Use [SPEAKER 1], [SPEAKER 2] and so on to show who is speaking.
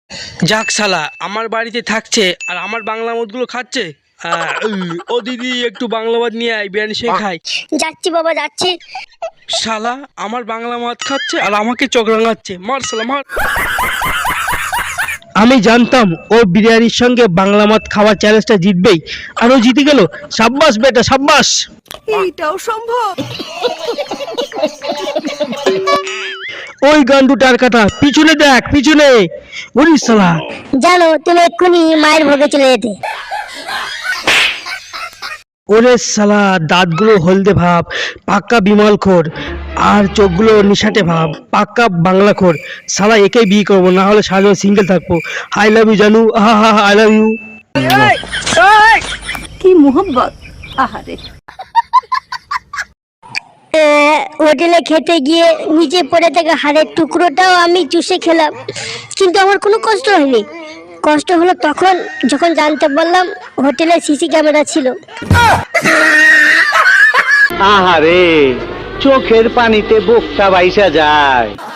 [SPEAKER 1] যাক শালা আমার বাড়িতে থাকছে আর আমার বাংলা মদগুলো খাচ্ছে। ও দিদি একটু বাংলা মদ নিয়ে আয়, বিরিয়ানি সে খাই।
[SPEAKER 2] যাচ্ছি বাবা যাচ্ছি।
[SPEAKER 1] শালা আমার বাংলা মদ খাচ্ছে আর আমাকে চোখ রাঙাচ্ছে, মার শালা মার। আমি জানতাম ও বিরিয়ানির সঙ্গে বাংলা মদ খাওয়ার চ্যালেঞ্জটা জিতবেই, আর ও জিতে গেল। সাব্বাস বেটা সাব্বাস।
[SPEAKER 3] এইটাও সম্ভব?
[SPEAKER 1] ওই গান্ডুটার কাটা পিছনে দেখ, পিছনে। ওরে শালা,
[SPEAKER 2] জানো তুমি এক্ষুনি মায়ের ভোগে চলে যেতে।
[SPEAKER 1] ওরে শালা দাঁতগুলো হলদে ভাব, পাক্কা বিমলখোর, আর চোখগুলো নিশাটে ভাব, পাক্কা বাংলাখোর। শালা একেই বিয়ে করবো, না হলে সারা সিঙ্গেল থাকবো। আই লাভ ইউ জানু, আই লাভ ইউ।
[SPEAKER 3] কি মোহব্বত! আহারে,
[SPEAKER 2] হোটেলে খেতে গিয়ে নিচে পড়ে থাকা হাড়ের টুকরোটাও আমি চুষে খেলাম, কিন্তু আমার কোনো কষ্ট হয়নি। কষ্ট হলো তখন যখন জানতে পারলাম হোটেলে সিসি ক্যামেরা ছিল।
[SPEAKER 4] আহারে, চোখের পানিতে বুকটা বাইসা যায়।